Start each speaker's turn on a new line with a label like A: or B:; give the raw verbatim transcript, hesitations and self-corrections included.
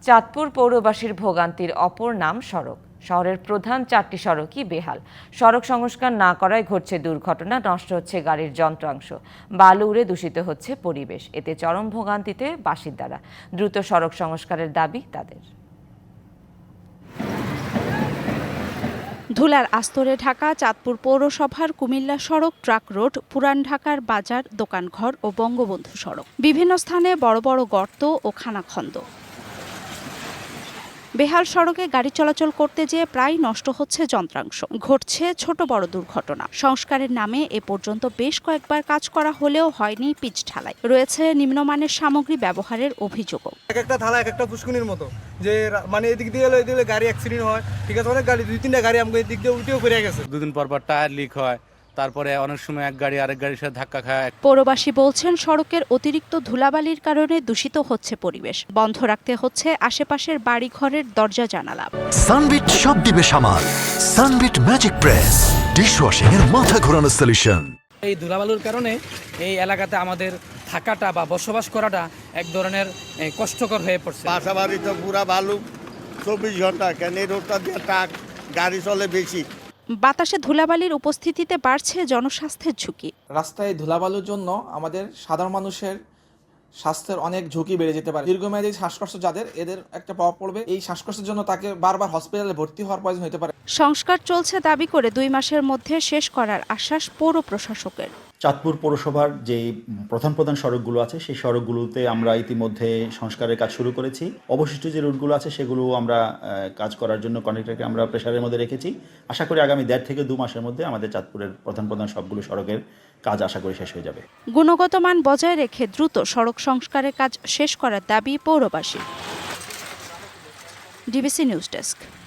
A: চাঁদপুর পৌরবাসীর ভোগান্তির অপর নাম সড়ক। শহরের প্রধান চারটি সড়কই বেহাল। সড়ক সংস্কার না করায় ঘটছে দুর্ঘটনা, নষ্ট হচ্ছে গাড়ির যন্ত্রাংশ, বালু উড়ে দূষিত হচ্ছে পরিবেশ। এতে চরম ভোগান্তিতে বাসিন্দারা। দ্রুত সড়ক সংস্কারের দাবি তাদের।
B: ধুলার আস্তরে ঢাকা চাঁদপুর পৌরসভার কুমিল্লা সড়ক, ট্রাক রোড, পুরান ঢাকার বাজার, দোকানঘর ও বঙ্গবন্ধু সড়ক। বিভিন্ন স্থানে বড় বড় গর্ত ও খানাখন্দ। বেহাল সড়কে গাড়ি চলাচল করতে যেয়ে প্রায় নষ্ট হচ্ছে যন্ত্রাংশ, ঘটছে ছোট বড় দুর্ঘটনা। সংস্কারের নামে এ পর্যন্ত বেশ কয়েকবার কাজ করা হলেও হয়নি পিচ ঢালাই। রয়েছে নিম্নমানের সামগ্রী ব্যবহারের অভিযোগও।
C: এক একটা থালা এক একটা পুষ্কুনির মতো, যে মানে এদিক দিয়ে এলো এদিকে গাড়ি অ্যাক্সিডেন্ট হয়। ঠিক আছে, অনেক গাড়ি দুই তিনটা গাড়ি আমাকে এদিক দিয়ে উল্টেও ফিরে গেছে।
D: দুদিন পর পর টায়ার লিক হয়, তারপরে অনেক সময় এক গাড়ি আরেক গাড়ির সাথে ধাক্কা খায়।
B: পৌরবাসী বলছেন, সড়কের অতিরিক্ত ধুলাবালির কারণে দূষিত হচ্ছে পরিবেশ। বন্ধ রাখতে হচ্ছে আশেপাশের বাড়ি ঘরের দরজা জানালা।
E: সানবিট সব দিবে সামাল। সানবিট ম্যাজিক প্রেস ডিশওয়াশিং এর মাথা ঘোরানো সলিউশন।
F: এই ধুলাবালুর কারণে এই এলাকাতে আমাদের থাকাটা বা বসবাস করাটা এক ধরনের কষ্টকর হয়ে পড়ছে।
G: বাসাবাড়ি তো পুরা বালু, চব্বিশ ঘন্টা কেন এই রোডটা দিয়ে ট্রাক গাড়ি চলে বেশি।
B: বাতাসে ধুলাবালির উপস্থিতিতে বাড়ছে জনস্বাস্থ্যের ঝুঁকি।
H: রাস্তায় ধুলাবালুর জন্য আমাদের সাধারণ মানুষের স্বাস্থ্যের অনেক ঝুঁকি বেড়ে যেতে পারে। দীর্ঘমেয়াদী শ্বাসকষ্ট যাদের, এদের একটা প্রভাব পড়বে। এই শ্বাসকষ্টের জন্য তাকে বারবার হসপিটালে ভর্তি হওয়ার প্রয়োজন হতে পারে।
B: সংস্কার চলছে দাবি করে দুই মাসের মধ্যে শেষ করার আশ্বাস পৌর প্রশাসকের।
I: চাঁদপুর পৌরসভার যে প্রধান প্রধান সড়কগুলো আছে সেই সড়কগুলোতে আমরা ইতিমধ্যে সংস্কারের কাজ শুরু করেছি। অবশিষ্ট যে রুটগুলো আছে সেগুলো আমরা কাজ করার জন্য কন্ট্রাক্টরকে আমরা প্রেসারের মধ্যে রেখেছি। আশা করি আগামী দেড় থেকে দু মাসের মধ্যে আমাদের চাঁদপুরের প্রধান প্রধান সবগুলো সড়কের কাজ আশা করি শেষ হয়ে যাবে।
B: গুণগত মান বজায় রেখে দ্রুত সড়ক সংস্কারের কাজ শেষ করার দাবি পৌরবাসী। DBC news desk.